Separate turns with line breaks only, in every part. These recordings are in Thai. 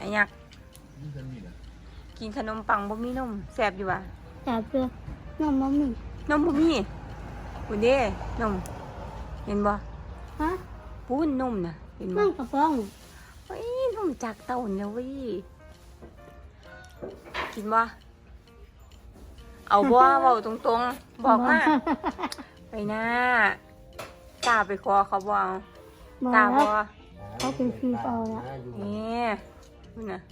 อ้ยักษ์กินขนมปังบ่มีนมแซ่บอยู่ว่ะ
จับเลยนมบ่มี
นมบ่มีคุณเด้นมเห็นบ่
ฮะ
ปูนนมน่ะเห็นบ่
นั่งกระป๋อง
เฮ้ยนมจากเต้าเนี่ยเว้ยกินบ่เอาบ่เว้าตรงๆบอกมาไปหน้ากล้าไปขอเขาบ่เอา
บอก
ล้า
แล้
บ่
วเขาเป็นฟีเปล่าแล้ว
นี่นี่น่ะ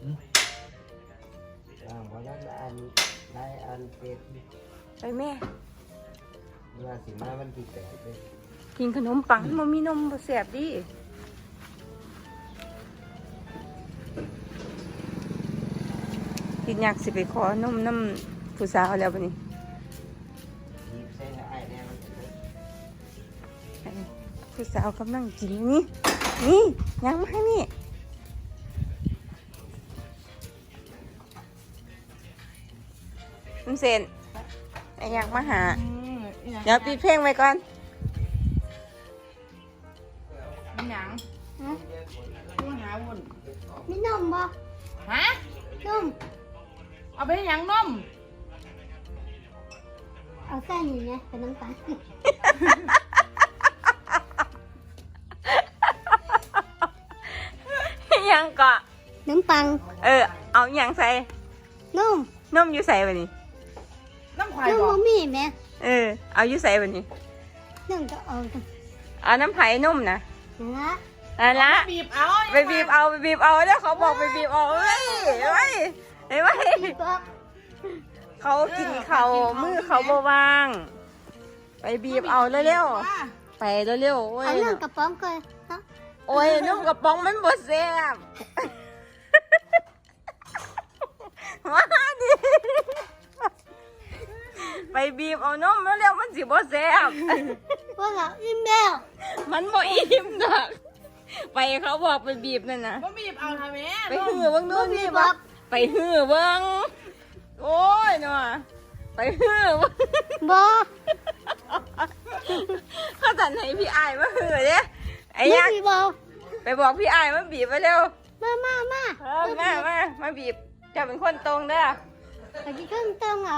เพราะนั้นอันเป็ด
ไปแม่
ว่าสิมาวันที่8เลย
กินขนมปังมันมีนมบ่แซ่บดิกินอยากสิไปขอนมน้ำผู้สาวแล้วบัดนี้
หยิบใส่ให้อ้ายแน่มันจะเบิด
ผู้สาวกำลังกินนี่นี่ยังมานี่มันเซนไอ้อยากมาหาเดี๋ยวปิดเพลงไว้ก่อน
หยัง
ฮะ
กูหาวุ่น
มีนมบ่
ฮะ
นม
เอาไปหยังนม
เอาแค่นี้ไงเป็นน้ำตาล
ยังเกาะ
น้ำปัง
เอาอย่างใส่
นม
นมอยู่ใส่บัดนี้
น้ำควาย
นม
บอ
บ่
ก
มีแม่
เอาอยู่ใส่บัดนี้
นมก็เอาจัง
เอาน้ำไผ่นมนะ
นั่นละ
นั่นละ
บีบเอา
ไปบีบเอาแล้วเขาบอกไปบีบเอาเฮ้ยเฮ้ย
บอก
เขากินเขามือเขาบวาง ไปบีบเอาเร็วๆไปเร็วๆโอ้ย
เอานั่งกระป๋องก่อนฮะ
โอ้ยนุ่มกระป๋องมันบดแซ่บมาดิไปบีบเอานมแล้วเร็วมันสิบดแซ่บ
ว่าเราอิ่มแล้ว
มันบ่อิ่มดอกไปเขาบอกไปบีบนั่นนะ
ว่าบีบเอาทำไม
ไปหื้อเบิ่งดูนี่บ่ไปหื้อเบิ่งโอ้ยเนาะไปหื้อเบิ่ง
บ่
เขาสั่นให้พี่อายมาหื้อเด้ไอ้
ไม่
ยักษ์
มีบ่
ไปบอกพี่อายมาบีบมาเร็ว
มา
มาบีบเจะเป็นคนตรงเด้อ
ไปที่เครื่องต้องเอา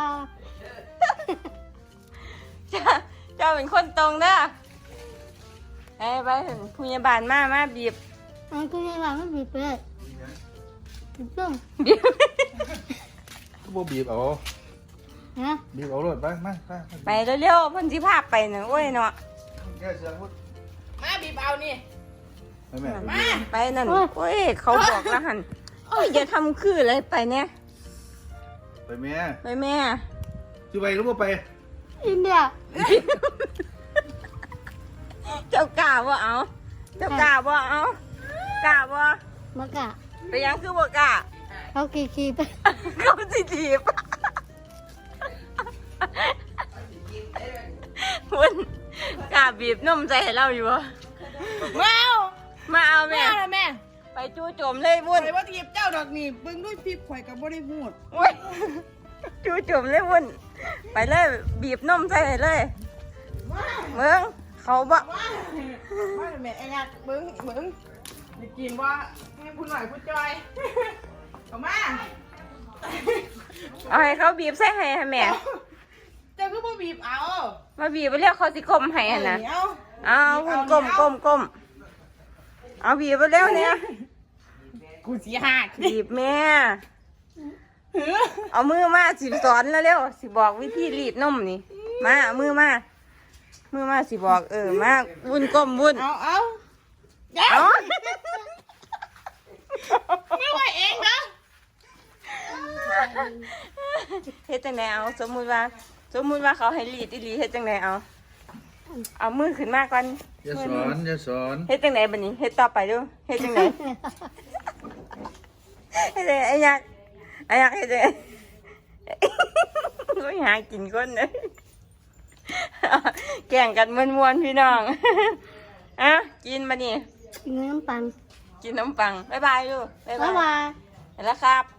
เจ้าเป็นคนตรงเด้อไปถึงพยาบาลมาบีบ
อันก็ยังว่าไม่มีเปลือกต้ม
บีบ
ก็บ่บีบเอา
ฮะ
บีบเอารถไปมา
ไปเร็วๆเพิ่นสิพาไปน่ะโอ้ยเนาะ
แก้เสียงพุทธ
มาบีบเอานี่
ไปแม่
มา
ไปนั่นโอ้ยเขาบอกแล้วหันโอ้ยอย่าทำคืออะไรไปเนี่ย
ไปแม่
ไปแม่
สิไปหรือบ่ไป
อิ่มแล้ว
เจ้ากล้าบ่เอาเจ้ากล้าบ่เอากล้าบ่
มากะ
ไปยังคือบ่กล้า
เขาขี่ไป
เขาสิถีบคุณกล้าบีบนมใจให้เราอยู่บ่
ว้าว
มาเอา
แม่
แม่
ละแม่
ไปจู่โจมเลยวุ่น
ใส่ว่าทีบเจ้าดอกนี่เบิ่งด้วยพีบข่อยกับบ่ได้พูด
โอ้ยจู่โจมเลยวุ่นไปเลยบีบนมใส่ให้เลยเมืองเขาบ่
ว้าวว่าแม่ไอ้ยักษ์เบิ่งจะกินว่าให้ผู้หน่อยผู้จอยเอามา
เอาให้เขาบีบใส่ให้แม่
เจ้าก็บ่บีบเอา
มาบีบไปเรียกเขาสิกลมให้หั่นนะ
เอา
เอาคุณก้มเอาบีบไปเร็วเนี่ย
กูสิหัก
บีบแม่เอามือมาสิสอนแล้วเร็วสิบอกวิธีรีดนมนี่มาเอามือมาสิบอกมาวุ่นก้มวุ่น
เอาเดี๋ยว
เอา
ไม่ไหวเองนะ
เฮ็ดจังไดเอาสมมุติว่าเขาให้รีดอีหลีเฮ็ดจังไดเอามือขึ้นมาก่อน
อย่าสอน
เฮ็ดจังไดบัดนี้เฮ็ดต่อไปดูเฮ็ดจังไดเฮ็ดจังไดไอ้ยักษ์เฮ็ดจังไดโอ้ยหากินคนเลยแก่งกันม่วนๆพี่น้องอ่ะกินมานี่
กินน้ำปัง
กินน้ำปังบ๊ายบายลูกบ๊าย
บ๊าย
บาย
บาย
ไปแล้วครับ